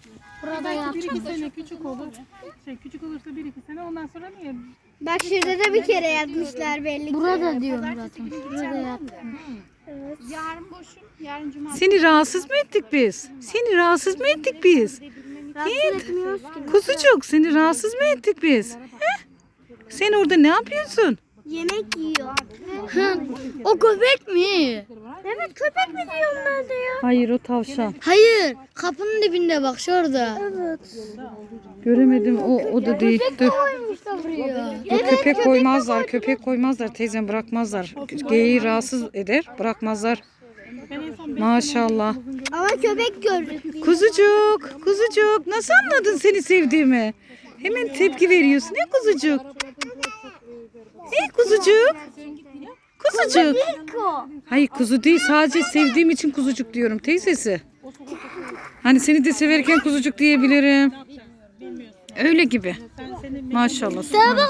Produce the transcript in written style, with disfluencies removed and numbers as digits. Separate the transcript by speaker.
Speaker 1: Burada
Speaker 2: Belki bir iki
Speaker 1: yapacağız.
Speaker 2: sene küçük olur. Küçük olursa bir iki sene ondan sonra niye?
Speaker 3: Bak şurada da bir kere yatmışlar belli ki.
Speaker 1: Burada diyorum zaten. Burada yaptım.
Speaker 3: Yarın boşum. Yarın cumartesi.
Speaker 4: Seni rahatsız mı ettik biz? Seni rahatsız mı ettik biz?
Speaker 3: Rahatsız etmiyoruz ki.
Speaker 4: Kuzucuk seni rahatsız mı ettik biz? He? Sen orada ne yapıyorsun?
Speaker 3: Yemek yiyor.
Speaker 1: O köpek mi?
Speaker 3: Evet köpek mi diyorum ben de ya?
Speaker 4: Hayır o tavşan.
Speaker 1: Hayır. Kapının dibinde bak şurada.
Speaker 4: Göremedim o da değil. Dur.
Speaker 1: Koymuşlar buraya.
Speaker 4: Dur, köpek koymazlar. Köpek koymazlar teyzem bırakmazlar. Geyiği rahatsız eder bırakmazlar. Maşallah.
Speaker 3: Ama köpek gördük.
Speaker 4: Kuzucuk nasıl anladın seni sevdiğimi? Hemen tepki veriyorsun. Ne kuzucuk? Kuzucuk? Kuzucuk. Hayır kuzu değil sadece sevdiğim için kuzucuk diyorum teyzesi. Hani seni de severken kuzucuk diyebilirim. Öyle gibi. Maşallah.